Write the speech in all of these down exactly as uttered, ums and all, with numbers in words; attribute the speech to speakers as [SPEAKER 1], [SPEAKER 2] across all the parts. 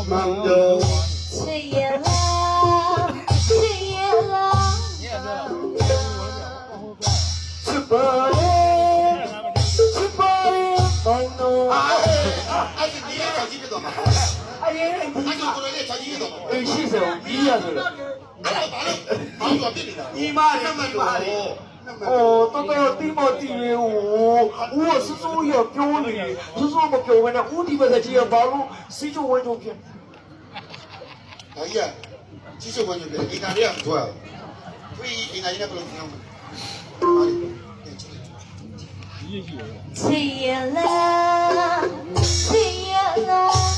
[SPEAKER 1] Mando.
[SPEAKER 2] Chiyala, chiyala.
[SPEAKER 1] Chupare, chupare, mando.
[SPEAKER 3] အဲ့ဒီဒီကကြီးကတော့မှာ
[SPEAKER 1] Aye,
[SPEAKER 3] အဲ့ဒီကိုလည်းချာကြီးတော့မှာ
[SPEAKER 1] eh, she said, "Iya tu."
[SPEAKER 3] အဲ့ဒါဘာလို့ဘာလို့ပြစ်နေတာ
[SPEAKER 1] 姨妈的，姨妈的。哦，都到地毛地的我，我是说要表你，是说我表完了，我地方在街上马路，谁就玩照片。
[SPEAKER 3] ဒါကြီးကကြီးစုပ်ဝင်တယ်အင်္ဂါတွေကမထွက်ဘူးဒီအင်္ဂါကြီးနဲ့ဘယ်လိုပြောင်းမလဲ
[SPEAKER 2] Chiyala, chiyala.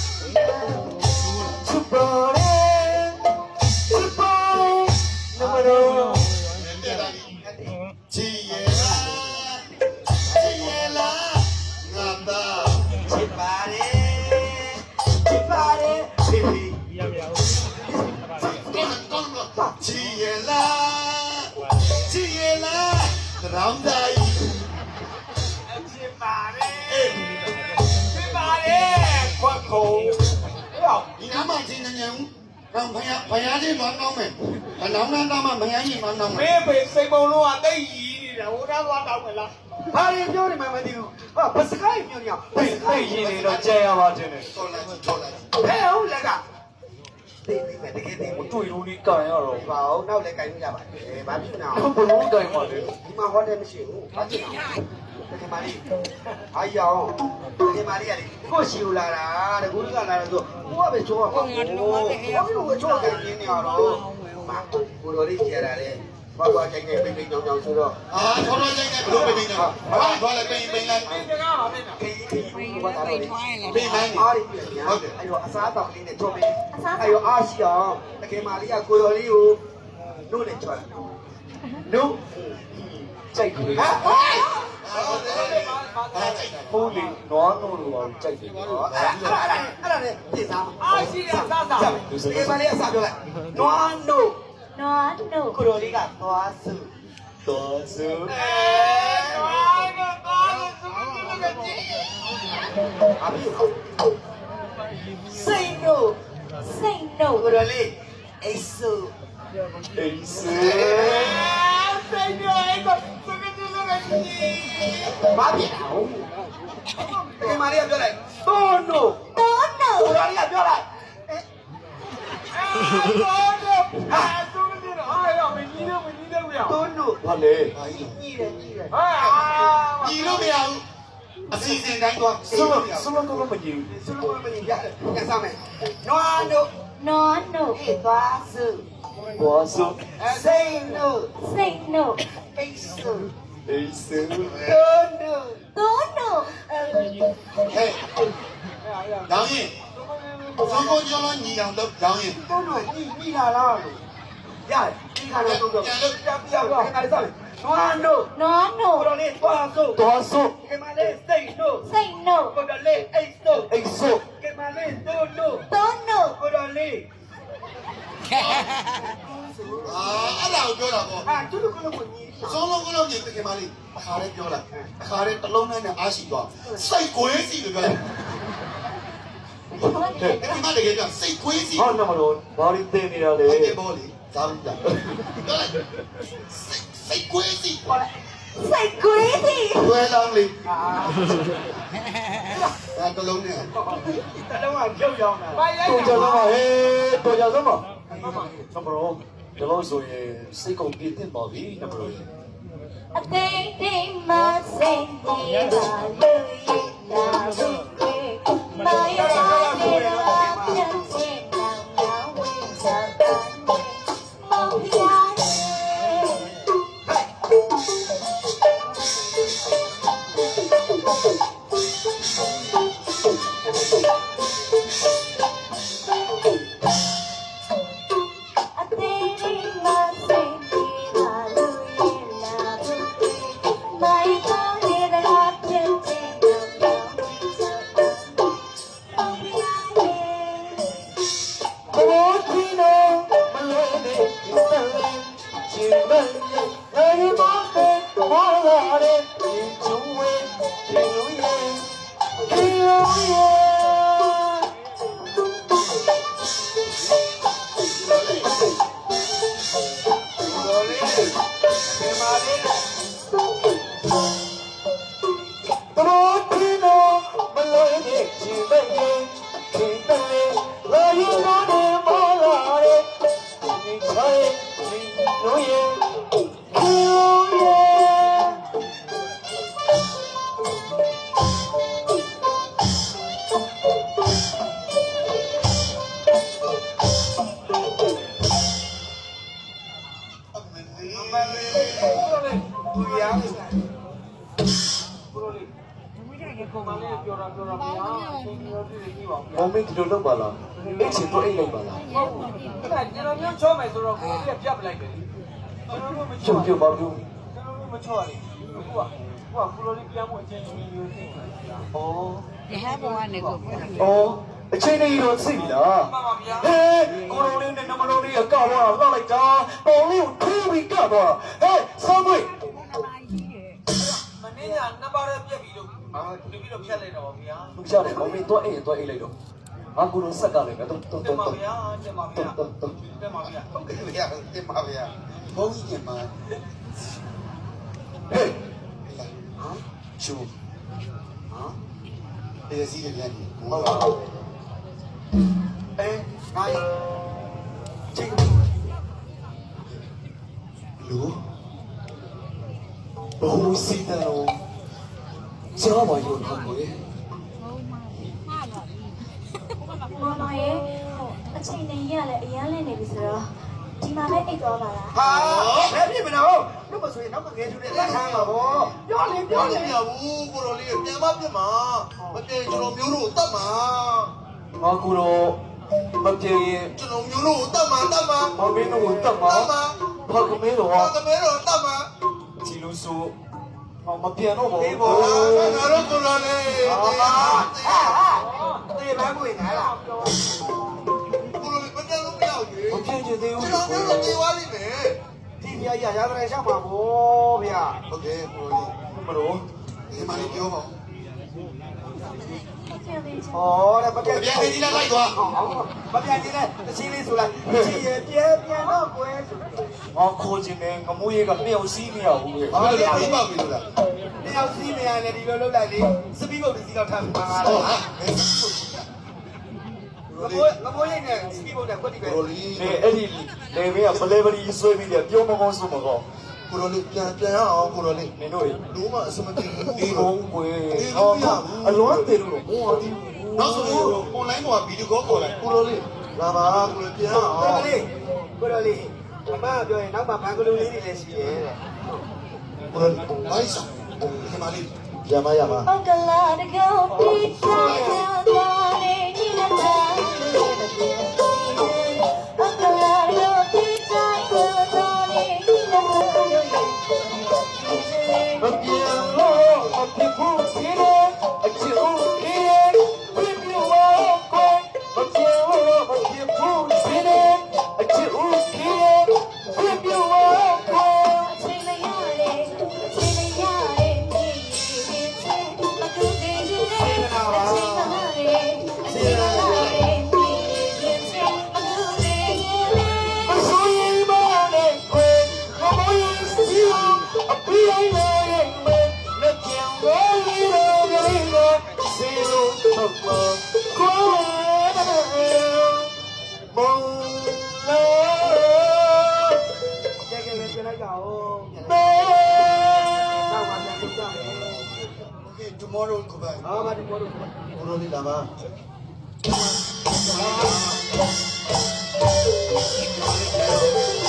[SPEAKER 1] Chupare, chupare, namaro.
[SPEAKER 3] ချီရဲလားချီရဲလားငါသား
[SPEAKER 1] Chupare, chupare, baby.
[SPEAKER 3] ကောင်းကောင်းကောင်းချီရဲလားချီရဲလားရောင်းတိုင်း
[SPEAKER 1] Chupare, chupare, quaco.
[SPEAKER 3] ဒီနားမှာချင်းနေညံကောင်းဖယားဖယားချင်းတော့ကောင်းမယ်အလောင်းနာတော့မှမယားကြီးမှတော့မယ်
[SPEAKER 4] မေးပေစိတ်ပုံလုံးကတိတ်ကြီးနေတာဟိုသားသွားတောင်းမလား
[SPEAKER 1] ဘာရင်ပြောနေမှမသိဘူးဟာဘစကိုင်းပြောနေအောင်ဟေးဟေးရင်းနေတော့ကြံရပါတင်တယ်
[SPEAKER 3] တော်လိုက်တော်လိုက်
[SPEAKER 1] ဟဲ့ဟုတ်လက်ကသိသိပဲတကယ်သိမတွေ့လို့ဒီကန်ရတော့
[SPEAKER 4] ဘာအောင်နောက်လည်းကြိုင်လို့ရပါတယ်ဘာဖြစ်နေအောင်
[SPEAKER 1] ဘလို့ကန်ပါလဲ
[SPEAKER 4] ဒီမှာဟောတယ်မရှိဘူးဘာဖြစ်နေအောင်တကယ်မလေးအားရအောင်တကယ်မလေးကလေကိုရှိူလာတာတကူကလာတယ်ဆိုကိုကပဲချိုးပါဘူးကိုကပဲချိုးတယ်ရင်းနေရတော့မာကိုတော်လေးကြရတာလေဘာဘာကြိုင်နေပိတ်ပိတ်ကြောင်ကြောင်ဆိုတော့
[SPEAKER 3] အာထော်တော်ချင်းနဲ့ဘလို့ပိတ်နေတော့ဘာဘာလဲပိတ်ပိတ်လိုက်
[SPEAKER 4] ဒီကမှာပြင်တာခေးခေးဘာသာလို့
[SPEAKER 3] ပိတ်လိုက်
[SPEAKER 4] အားရပြင်ညာအဲ့တော့အစားတောက်လေးနဲ့ချိုးပေးအဲ့တော့အားရှိအောင်တကယ်မလေးကကိုတော်လေးကိုနို့နဲ့ချိုးတယ်
[SPEAKER 1] နုကြိုက်တယ်
[SPEAKER 4] ဟမ်ဟဲ့
[SPEAKER 1] ဖုန်းလေးနွားနို့လိုကြိုက်တယ်
[SPEAKER 4] အဲ့ဒါအဲ့ဒါနဲ့ပြင်စားအားရှိတဲ့အစားစားဒီမလေးအစားပြောလိုက်နွားနို့
[SPEAKER 2] No, no.
[SPEAKER 4] ကိုတော်လေးကသွားစု
[SPEAKER 1] တော်စု
[SPEAKER 4] အဲနွားနို့သွားစုစုကကြည့်အမေစိတ်နို့
[SPEAKER 2] Say no.
[SPEAKER 4] ကိုတော်လေးအိတ်စု
[SPEAKER 1] အေးစေ
[SPEAKER 4] စိတ်နို့အိတ်စုစုကကြည့်စုကကြည့်ဘာဖြစ်တာဒီမလေးကပြောလိုက်တိုးနို့
[SPEAKER 2] No, no.
[SPEAKER 4] ကိုတော်လေးကပြောလိုက်အဲတိုးနို့ဟာစုကကြည့်တော့အားရမင်းကြီးတော့မင်းကြီးတော့ရတိုးနို့
[SPEAKER 1] ဘာလဲ
[SPEAKER 4] ကြီးတယ်ကြီးတယ်ဟာ
[SPEAKER 3] ညီလို့မရဘူးအစီအစဉ်တိုင်းတော့
[SPEAKER 1] စလစလကတော့မကြည့်
[SPEAKER 4] စလို့မင်းရတယ်ပြန်စားမယ်နွားနို့
[SPEAKER 2] No, no.
[SPEAKER 4] အေးသွားစု
[SPEAKER 1] ဘောစု
[SPEAKER 4] စိတ်နို့
[SPEAKER 2] Say no.
[SPEAKER 4] အိတ်စု
[SPEAKER 1] အေးစေ
[SPEAKER 4] တိုးနို့
[SPEAKER 2] No, no.
[SPEAKER 3] ဟဲ့ရောင်းရင်သုံးကိုကျော်လုံးညီအောင်လုပ်ရောင်းရင်
[SPEAKER 4] တိုးနို့ညီညီလာလားလို့ရတယ်ဒီခါတော့တိုးတော့ပြန်ပြန်ပြန်တော့ခါလေးစားမယ်နွားနို့
[SPEAKER 2] No,
[SPEAKER 4] ကို
[SPEAKER 2] no.
[SPEAKER 4] တော်လေးသွားစု
[SPEAKER 1] တော်စု
[SPEAKER 4] ကမလေးစိတ်နို့
[SPEAKER 2] Say no.
[SPEAKER 4] ကိုတော်လေးအိတ်စု
[SPEAKER 1] အိတ်စု
[SPEAKER 4] ကမလေးတိုးနို့
[SPEAKER 2] No, no.
[SPEAKER 4] ကိုတော်လေး
[SPEAKER 3] အာအဲ့ဒါကိုပြောတာပေါ့
[SPEAKER 4] အာတူတူကလုံးကိုညီ
[SPEAKER 3] သုံးလုံးကလုံးညီတကယ်မလေးအခါလေးပြောလိုက်အခါလေးတစ်လုံးနဲ့အားရှိသွားစိတ်ကိုင်းစီလို့ပြောလိုက်ဒီမှာတကယ်ကစိတ်ကိုင်းစီ
[SPEAKER 1] ဟောနမလို့ဘာလို့တင်နေတာလဲ
[SPEAKER 3] ဟုတ်တယ်ဘောလေသာဘူးလားပြောလိုက်စိတ်ကိုင်းစီ
[SPEAKER 2] Say crazy.
[SPEAKER 3] ဝဲလောင်းလေး
[SPEAKER 4] အာ
[SPEAKER 3] အဲတစ်လုံးနဲ့
[SPEAKER 4] တလုံးကပြုတ်ရောင်းတာဘာရိုက်
[SPEAKER 1] တော်ကြ
[SPEAKER 4] တာ
[SPEAKER 1] စမ်းပါဟေးတော်ကြစမ်းပါနမလို့ဒီလိုဆိုရင်စိတ်ကုန်ပြည့်တင်ပါပြီနမလို့
[SPEAKER 2] A thing, thing, must say, My
[SPEAKER 1] ချင်းတဲ့ရင်ချင်းတဲ့လာရင်တော့နေမလာတဲ့ဒီချိုင်းဒီလိုရင်ကိုရဲ့
[SPEAKER 4] သူရမ်းနေတယ်ဘရိုလေးကိုမလေးပြောတာပြောတာဗျာသင်ပြောပြပြီးပါဦး
[SPEAKER 1] မောင်မင်းဒီလိုလုပ်ပါလားအိတ်ချင်တော့အိတ်လိုက်ပါလား
[SPEAKER 4] ဟုတ်ဘူးအဲ့ဒါကျွန်တော်မျိုးချောမယ်ဆိုတော့ကိုယ်ကပြတ်ပလိုက်တယ်ကျွန်တော်တို့မချော
[SPEAKER 1] ပြုတ်ပြုတ်ပါပြုတ်
[SPEAKER 4] ကျွန်တော်တို့မချောရဘူးကိုကကိုကဘရိုလေးပြန်ဖို့အချိန်ကြီးမျိုးသိတယ်ဗျာ
[SPEAKER 1] ဩ
[SPEAKER 5] ရဟဘဝနဲ့ကိုကိုယ်
[SPEAKER 1] ဩအချိန်လေးတော့သိပြီလား
[SPEAKER 4] မှန်ပါဗျာ
[SPEAKER 1] ဟဲကိုရိုလေးနဲ့နမလုံးလေးကကောက်သွားတော့လိုက်တာပေါင်လေးကိုထိုးပြီးကောက်သွားဟဲဆောင်းမွေး
[SPEAKER 4] မနေ့ကနှစ်ပါးရက်ပြက်ပြီးတော့အာဒီပြီးတော့ဖြတ်လိုက်တော့ဗျာ
[SPEAKER 1] လူရှာတယ်မောင်မင်းတော့အိတ်တော့အိတ်လိုက်တော့ငါကိုရိုဆက်ကလည်းတော့တော့
[SPEAKER 4] တင်
[SPEAKER 1] တော့
[SPEAKER 4] ပါ
[SPEAKER 1] တော့
[SPEAKER 4] ဗျာတင်ပါဗျာတင်ပါဗျာဟုတ်ကဲ့ဗျာတင်ပါဗျာဘုန်းကြီးတင်ပါ
[SPEAKER 1] ဟဲ့
[SPEAKER 3] ဟာချူဟာဒီစီးရပြန်
[SPEAKER 1] ဟုတ်လားအဲငါချင်း
[SPEAKER 3] လူ
[SPEAKER 1] ဘိုးစီတယ်လို့ကြားပါရောခါကိုရဲ့
[SPEAKER 2] မောင်မောင်ရဲ့အချိန်နဲ့ရလဲအရန်လဲနေပြီဆိုတော့ဒီမှာပဲအိတ်သွားပါလား
[SPEAKER 4] ဟာဘယ်ဖြစ်မလို့လို့မဆိုရင်နောက်ကငယ်သူတွေလက်ခံပါဗောပြောလေပြော
[SPEAKER 3] ပြော
[SPEAKER 4] လေ
[SPEAKER 3] နေရဘူးကိုတော်လေးပြန်မပြတ်မှာမပြေကျွန်တော်မျိုးတို့တတ်မှာ
[SPEAKER 1] ငါကိုရိုမပြေရင်
[SPEAKER 3] ကျွန်တော်မျိုးတို့တတ်မှာတတ်မှာ
[SPEAKER 1] မောင်မင်းတို့ကိုတတ်မှာဖကမင်းတို့
[SPEAKER 3] ဘာ
[SPEAKER 1] ဟာ
[SPEAKER 3] ကမဲတော့တတ်မှာ
[SPEAKER 1] ချီလို့ဆိုမပြန်တော့ဘူး
[SPEAKER 3] ဒီဘောငါတို့ကိုတော်လေး
[SPEAKER 4] ဟာဟာတေးဘန်းကိုနားလား
[SPEAKER 3] ကိုတော်လေးမတက်လို့မရဘူး
[SPEAKER 1] မပြန်ချင်သေးဘူး
[SPEAKER 3] ကျွန်တော်မျိုးတို့ပြေးသွားလိမ့်မယ်
[SPEAKER 4] ဒီပြရရတဲ့ရှောက်ပါဗောဗျာ
[SPEAKER 3] ဟုတ်ကဲ့ကိုတော်
[SPEAKER 1] မလို့
[SPEAKER 3] လေးဒီမှာလေးပြောပါဦး
[SPEAKER 2] ပြန်သေးချင်
[SPEAKER 4] ဩတဲ့မပြတ်
[SPEAKER 3] ပြန်ပြီးလိုက်သွား
[SPEAKER 4] မပြတ်သေးတဲ့တချင်းလေးဆိုလိုက်ချီရပြဲပြန်တော့ကွယ်ဆို
[SPEAKER 1] ငါခိုးခြင်းနဲ့ငမိုးရေးကမြောက်စီးမရဘူးလေ
[SPEAKER 3] ဘာလို့လဲပြပါပြီလို့လား
[SPEAKER 4] တယောက်စီးနေရတယ်ဒီလိုလုပ်လိုက်လေစပီးဘုတ်ဒီတော့ထမ်းပါလား
[SPEAKER 3] ဟုတ်ဟာ
[SPEAKER 4] မမိုးမမိုးရိတ်နဲ့စပီးဘုတ်နဲ့ကွက်တိပဲ
[SPEAKER 3] ကိုတော်လေး
[SPEAKER 1] လေအဲ့ဒီလေမေးကဘလေဘလီဆွဲပြီးတယ်ပြောမကောင်းဆိုမကောင်း
[SPEAKER 3] ကိုတော်လေးပြန်ပြန်အောင်ကိုတော်လေး
[SPEAKER 1] နင်တို့
[SPEAKER 3] လုံးဝအစမတင်ဘူး
[SPEAKER 1] ဒီဘုံကွယ်အလွမ်းတယ်လို့ဘောအတီး
[SPEAKER 3] နောက်ဆိုရင် online ပေါ်ဗီဒီယိုကောခေါ်လိုက်ကိုတော်လေးလာပါကိုတော်ပြန်အောင်
[SPEAKER 4] ကိုလေးကိုလေးအမပြောရင်နောက်မှဘန်ကလူလေးတွေလည်းရှိရဲ့တဲ့
[SPEAKER 3] ကိုတော်လေးဘိုင်းဆောင်ဒီမှာလေးရမရမ
[SPEAKER 2] အကလာတကောတီချာသွားနေညီလက်တာအကလာတကောတီချာသွားနေညီလက်တာ
[SPEAKER 1] မပြန်လို့အဖြစ်ဖို့ဖြစ်တယ်အချစ်ဦးဖြစ်တယ်ပြပြဝါကိုမပြန်လို့အဖြစ်ဖို့ဖြစ်တယ်အချစ်ဦးဖြစ်တယ်ပြပြဝါကို
[SPEAKER 2] အချိန်မရတဲ့အချိန်မရတဲ့ဒီဒီချင်းမကူတည်နေတဲ့အချိန်မရတဲ့အချိန်မရတဲ့ဒီဒီချင်းမကူတည်နေ
[SPEAKER 1] မဆိုရင်မနဲ့ခွေမမရင်စီအပြေးလိုက်ရဲ့မနဲ့ပြန်ဝဲလို့ကြည့်လို့စီလို့တော့ကိုမောင်လာ
[SPEAKER 4] ကြဲကြဲပဲပြလိုက်ကြအောင်
[SPEAKER 1] မေ
[SPEAKER 4] နောက်မှပြန်ကြမယ်
[SPEAKER 3] Okay tomorrow ကိုပါ
[SPEAKER 4] ဟာမဒီပေါ်လို့
[SPEAKER 3] ကိုတော်လေးလာပါ
[SPEAKER 1] မ